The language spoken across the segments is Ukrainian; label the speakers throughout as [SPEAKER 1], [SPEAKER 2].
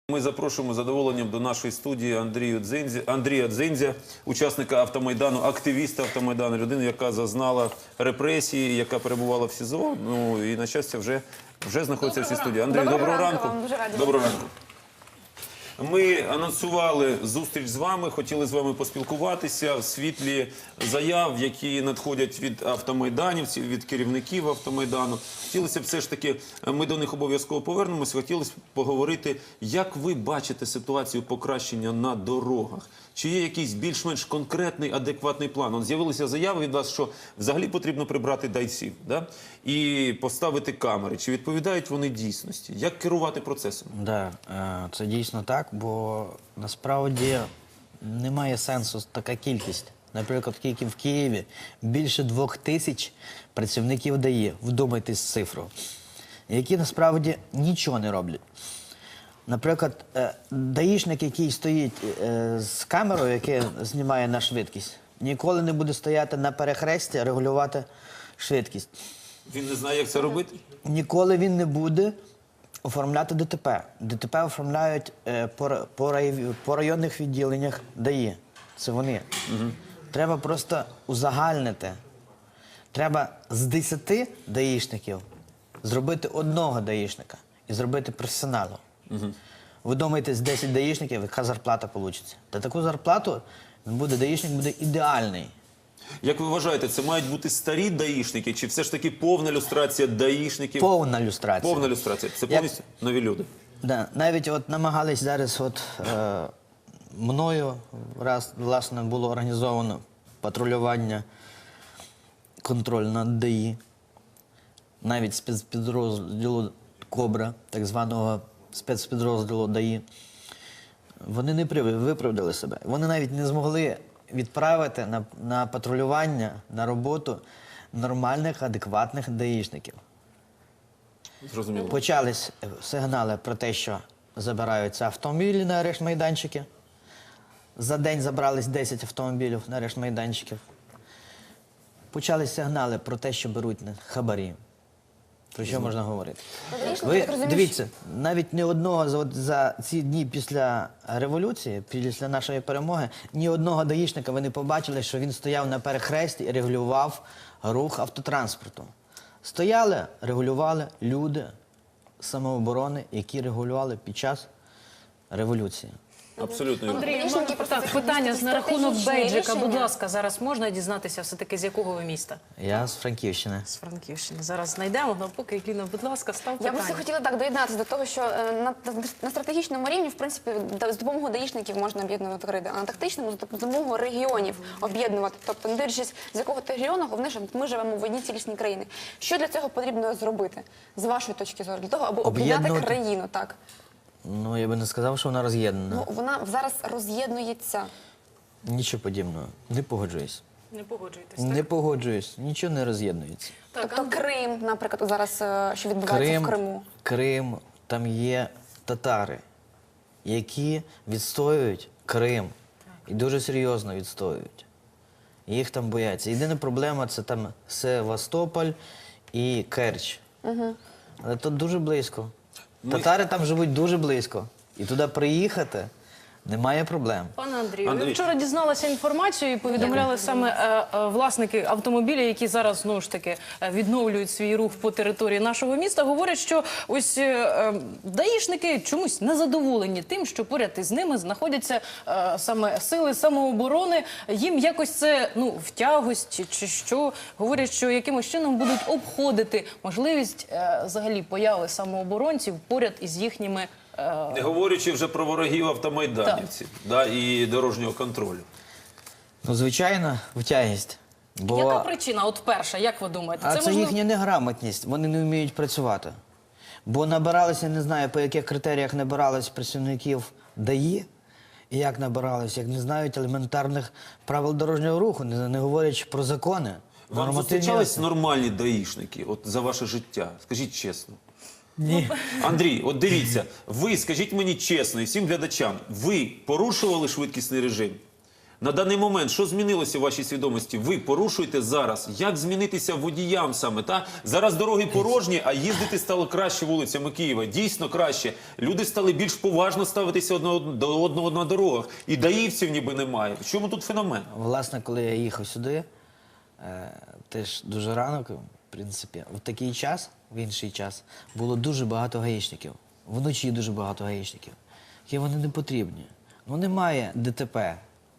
[SPEAKER 1] Ми запрошуємо з задоволенням до нашої студії Андрія Дзиндзя, учасника Автомайдану, активіста Автомайдану, людину, яка зазнала репресії, яка перебувала в СІЗО, ну і, на щастя, вже знаходиться в цій студії. Андрій, доброго ранку. Доброго ранку. Ми анонсували зустріч з вами, хотіли з вами поспілкуватися в світлі заяв, які надходять від автомайданівців, від керівників Автомайдану. Хотілося б все ж таки, ми до них обов'язково повернемось, хотілося б поговорити, як ви бачите ситуацію покращення на дорогах? Чи є якийсь більш-менш конкретний, адекватний план? З'явилися заяви від вас, що взагалі потрібно прибрати дайців, да? І поставити камери. Чи відповідають вони дійсності? Як керувати процесом?
[SPEAKER 2] Так, це дійсно так, бо насправді немає сенсу така кількість. Наприклад, тільки в Києві більше 2000 працівників ДАІ, вдумайтесь в цифру, які насправді нічого не роблять. Наприклад, даїшник, який стоїть з камерою, яка знімає на швидкість, ніколи не буде стояти на перехресті, регулювати швидкість.
[SPEAKER 1] Він не знає, як це робити?
[SPEAKER 2] Ніколи він не буде оформляти ДТП. ДТП оформляють по районних відділеннях ДАІ. Це вони. Треба просто узагальнити. Треба з 10 даїшників зробити одного даїшника і зробити професіоналу. Ви думаєте, з 10 даїшників, яка зарплата вийде? Та таку зарплату даїшник буде ідеальний.
[SPEAKER 1] Як ви вважаєте, це мають бути старі даїшники, чи все ж таки повна люстрація даїшників?
[SPEAKER 2] Повна люстрація.
[SPEAKER 1] Повна люстрація. Це повністю нові люди.
[SPEAKER 2] Да. Навіть от намагались зараз мною, власне, було організовано патрулювання, контроль над ДАІ, навіть спецпідрозділу «Кобра», так званого спецпідрозділу ДАІ. Вони не виправдали себе. Вони навіть не змогли відправити на патрулювання, на роботу нормальних, адекватних даїшників.
[SPEAKER 1] Зрозуміло.
[SPEAKER 2] Почались сигнали про те, що забираються автомобілі на арешт-майданчики. За день забрались 10 автомобілів на арешт-майданчиків. Почались сигнали про те, що беруть хабарі. Про що можна говорити? Ви дивіться, навіть ні одного за ці дні після революції, після нашої перемоги, ні одного даїшника ви не побачили, що він стояв на перехресті і регулював рух автотранспорту. Стояли, регулювали люди самооборони, які регулювали під час революції.
[SPEAKER 1] Абсолютно.
[SPEAKER 3] Андрій, так, питання на рахунок бейджика. Будь ласка, зараз можна дізнатися все-таки, з якого ви міста?
[SPEAKER 2] Я з Франківщини.
[SPEAKER 3] З Франківщини. Зараз знайдемо, але поки, Ліна, будь ласка, став питання.
[SPEAKER 4] Я б хотіла так доєднатися до того, що на стратегічному рівні, в принципі, з допомогою даїшників можна об'єднувати гриди, а на тактичному – з допомогою регіонів об'єднувати. Тобто, не дивлячись, з якого ти регіону, головне, що ми живемо в одній цілісній країні. Що для цього потрібно зробити, з вашої точки зору? Для того, аби об'єднати країну, так?
[SPEAKER 2] Ну, я би не сказав, що вона роз'єднана.
[SPEAKER 4] Ну, вона зараз роз'єднується.
[SPEAKER 2] Нічого подібного. Не погоджуюсь.
[SPEAKER 3] Не погоджуєтесь, так?
[SPEAKER 2] Не погоджуюсь. Нічого не роз'єднується.
[SPEAKER 4] Тобто Крим, наприклад, зараз, що відбувається в Криму.
[SPEAKER 2] Крим, там є татари, які відстоюють Крим. І дуже серйозно відстоюють. Їх там бояться. Єдина проблема – це там Севастополь і Керч. Але тут дуже близько. Татари там живуть дуже близько. І туди приїхати немає проблем.
[SPEAKER 3] Пане Андрію, ви вчора дізналися інформацію і повідомляли саме власники автомобілів, які зараз, знову ж таки, відновлюють свій рух по території нашого міста, говорять, що ось даїшники чомусь незадоволені тим, що поряд із ними знаходяться саме сили самооборони. Їм якось це, ну, в тягості чи що. Говорять, що якимось чином будуть обходити можливість взагалі появи самооборонців поряд із їхніми.
[SPEAKER 1] Не говорячи вже про ворогів автомайданівців, да, і дорожнього контролю.
[SPEAKER 2] Ну, звичайно, втягість.
[SPEAKER 3] Яка причина? От перша, як ви думаєте?
[SPEAKER 2] А це їхня неграмотність. Вони не вміють працювати. Бо набиралися, не знаю, по яких критеріях набирались працівників ДАІ, і як набирались, як не знають елементарних правил дорожнього руху, не говорячи про закони.
[SPEAKER 1] Вам зустрічались нормальні даїшники от, за ваше життя? Скажіть чесно.
[SPEAKER 2] Ні.
[SPEAKER 1] Андрій, от дивіться, ви, скажіть мені чесно і всім глядачам, ви порушували швидкісний режим? На даний момент, що змінилося в вашій свідомості? Ви порушуєте зараз. Як змінитися водіям саме? Та? Зараз дороги порожні, а їздити стало краще вулицями Києва. Дійсно краще. Люди стали більш поважно ставитися до одного на дорогах. І даївців ніби немає. В чому тут феномен?
[SPEAKER 2] Власне, коли я їхав сюди, теж дуже рано, в принципі, в такий час, в інший час, було дуже багато гаїшників. Вночі дуже багато гаїшників. Які вони не потрібні. Ну немає ДТП.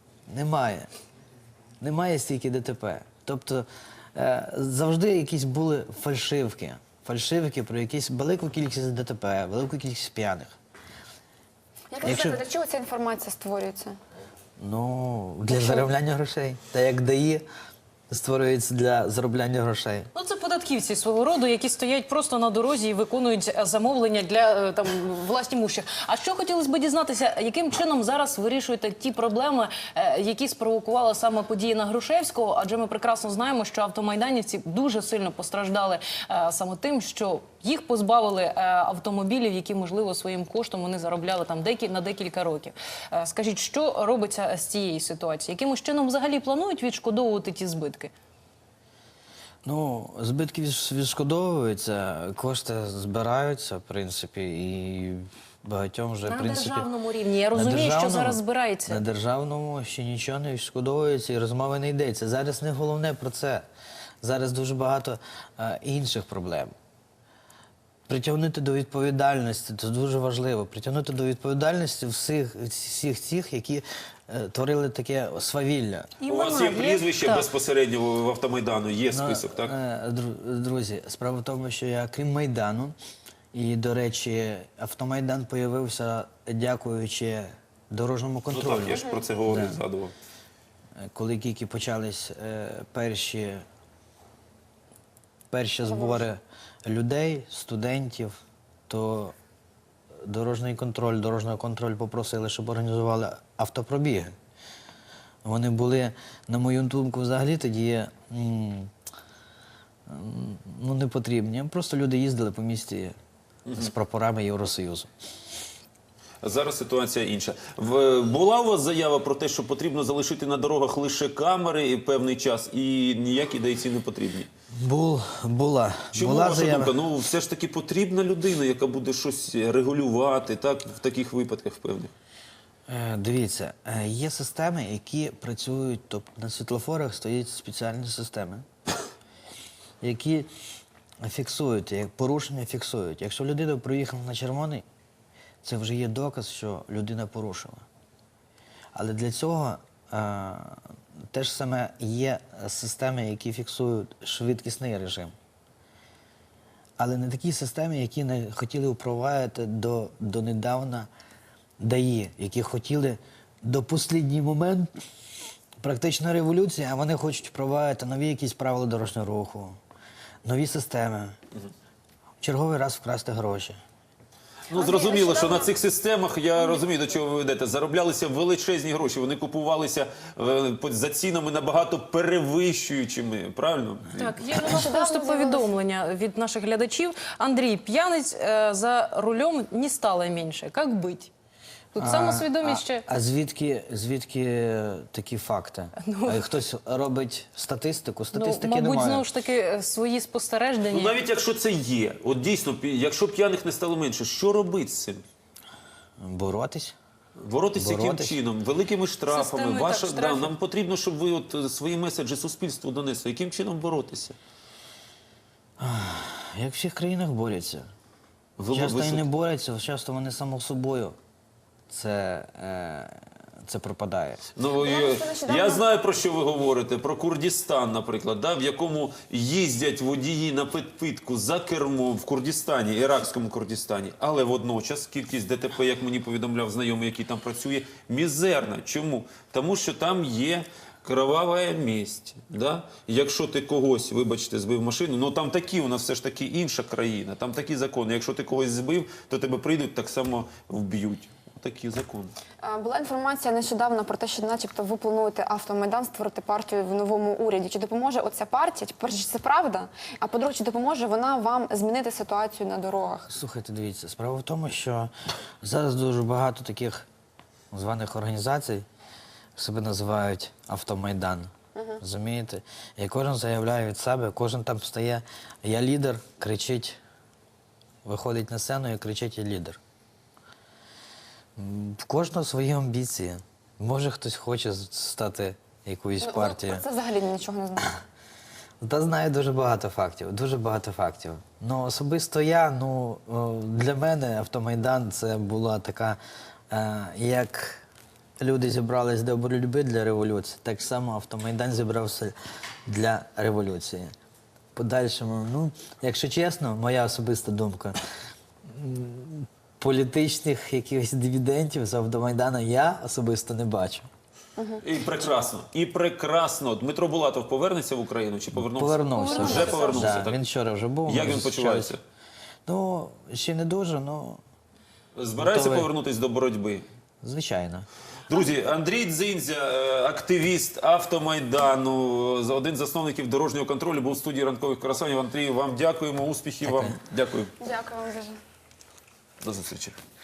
[SPEAKER 2] Немає стільки ДТП. Тобто завжди якісь були фальшивки. Фальшивки про якусь велику кількість ДТП, велику кількість п'яних.
[SPEAKER 4] Як ви вважаєте, для чого ця інформація створюється?
[SPEAKER 2] Ну, для заробляння грошей. Та як ДАІ створюється для заробляння грошей.
[SPEAKER 3] Ну, це податківці свого роду, які стоять просто на дорозі і виконують замовлення для там власнімущих. А що хотілося б дізнатися, яким чином зараз вирішуєте ті проблеми, які спровокувала саме події на Грушевського? Адже ми прекрасно знаємо, що автомайданівці дуже сильно постраждали саме тим, що їх позбавили автомобілів, які, можливо, своїм коштом вони заробляли там на декілька років. Скажіть, що робиться з цієї ситуації? Якимось чином взагалі планують відшкодовувати ті збитки?
[SPEAKER 2] Ну, збитки відшкодовуються, кошти збираються, в принципі, і багатьом вже, в
[SPEAKER 3] На
[SPEAKER 2] принципі...
[SPEAKER 3] державному рівні. Я
[SPEAKER 2] На
[SPEAKER 3] розумію, що
[SPEAKER 2] державному-
[SPEAKER 3] зараз збирається.
[SPEAKER 2] На державному ще нічого не відшкодовується і розмови не йдеться. Зараз не головне про це. Зараз дуже багато інших проблем. Притягнути до відповідальності, це дуже важливо. Притягнути до відповідальності всіх тих, які творили таке свавілля.
[SPEAKER 1] У вас є прізвище
[SPEAKER 3] Так.
[SPEAKER 1] безпосередньо в Автомайдану, є список, так?
[SPEAKER 2] Друзі, справа в тому, що я крім Майдану, і, до речі, Автомайдан появився дякуючи дорожньому
[SPEAKER 1] Ну
[SPEAKER 2] контролю.
[SPEAKER 1] так, я ж про це говорив, згадував.
[SPEAKER 2] Коли тільки почались перші збори людей, студентів, то дорожнього контроль попросили, щоб організували автопробіги. Вони були, на мою думку, взагалі тоді не потрібні. Просто люди їздили по місті з прапорами Євросоюзу.
[SPEAKER 1] Зараз ситуація інша. Була у вас заява про те, що потрібно залишити на дорогах лише камери і певний час, і ніякі дайці не потрібні?
[SPEAKER 2] Була
[SPEAKER 1] Чому ваша
[SPEAKER 2] заява.
[SPEAKER 1] думка? Ну, все ж таки потрібна людина, яка буде щось регулювати, так, в таких випадках певних.
[SPEAKER 2] Дивіться, є системи, які працюють, тобто на світлофорах стоять спеціальні системи, які фіксують, як порушення фіксують. Якщо людина проїхала на червоний, це вже є доказ, що людина порушила. Але для цього теж саме є системи, які фіксують швидкісний режим. Але не такі системи, які не хотіли впровадити донедавна ДАІ, які хотіли до останній момент практично революції, а вони хочуть впровадити нові якісь правила дорожнього руху, нові системи, в черговий раз вкрасти гроші.
[SPEAKER 1] Ну, зрозуміло, що на цих системах, я розумію, до чого ви ведете, зароблялися величезні гроші, вони купувалися за цінами набагато перевищуючими, правильно?
[SPEAKER 3] Так, є у нас просто повідомлення від наших глядачів. Андрій, п'яниць за рулем не стало менше. Як бить? Тут самосвідомість ще...
[SPEAKER 2] А звідки такі факти? Хтось робить статистику? Статистики
[SPEAKER 3] мабуть,
[SPEAKER 2] немає.
[SPEAKER 3] знову ж таки, свої спостереження.
[SPEAKER 1] Ну, навіть якщо це є, от дійсно, якщо п'яних не стало менше, що робити з цим?
[SPEAKER 2] Боротись.
[SPEAKER 1] Боротися яким
[SPEAKER 2] Боротись.
[SPEAKER 1] чином? Великими штрафами?
[SPEAKER 3] Системою, так, штрафів.
[SPEAKER 1] Нам потрібно, щоб ви от свої меседжі суспільству донесли. Яким чином боротися?
[SPEAKER 2] Як в всіх країнах борються.
[SPEAKER 1] Ви-
[SPEAKER 2] Часто
[SPEAKER 1] ви-
[SPEAKER 2] і не борються, часто вони само собою це пропадає.
[SPEAKER 1] Ну, я знаю, про що ви говорите. Про Курдистан, наприклад, да, в якому їздять водії на підпитку за кермом в Курдистані, іракському Курдистані. Але водночас кількість ДТП, як мені повідомляв знайомий, який там працює, мізерна. Чому? Тому що там є кроваве місце. Да? Якщо ти когось, вибачте, збив машину, ну там такі, у нас все ж таки інша країна, там такі закони. Якщо ти когось збив, то тебе прийдуть, так само вб'ють. Такі закони.
[SPEAKER 4] Була інформація нещодавно про те, що начебто ви плануєте Автомайдан створити партію в новому уряді. Чи допоможе оця партія? По-перше, чи це правда? А по-друге, чи допоможе вона вам змінити ситуацію на дорогах?
[SPEAKER 2] Слухайте, дивіться, справа в тому, що зараз дуже багато таких званих організацій себе називають Автомайдан. Розумієте? І кожен заявляє від себе, кожен там стає, я лідер, кричить, виходить на сцену і кричить, я лідер. В кожного свої амбіції. Може хтось хоче стати якоюсь партією.
[SPEAKER 4] Це взагалі нічого не знаю.
[SPEAKER 2] Та знаю дуже багато фактів, дуже багато фактів. Ну, особисто я, для мене Автомайдан це була така, як люди зібрались до боротьби для революції, так само Автомайдан зібрався для революції. Подальшому, якщо чесно, моя особиста думка, політичних якихось дивідендів з Автомайдану я особисто не бачу.
[SPEAKER 1] І прекрасно. І прекрасно. Дмитро Булатов повернеться в Україну чи повернувся?
[SPEAKER 2] Повернувся.
[SPEAKER 1] Вже повернувся,
[SPEAKER 2] Да,
[SPEAKER 1] так?
[SPEAKER 2] він вчора вже був.
[SPEAKER 1] Як
[SPEAKER 2] ми
[SPEAKER 1] він
[SPEAKER 2] зустрічались.
[SPEAKER 1] почувається?
[SPEAKER 2] Ще не дуже,
[SPEAKER 1] Збирається
[SPEAKER 2] Готовий.
[SPEAKER 1] повернутися до боротьби?
[SPEAKER 2] звичайно.
[SPEAKER 1] Друзі, Андрій Дзиндзя, активіст Автомайдану, один з засновників дорожнього контролю, був у студії ранкових красанів. Андрію, вам дякуємо, успіхів вам. Дякую.
[SPEAKER 4] Дякую вам дуже.
[SPEAKER 1] До зустрічі.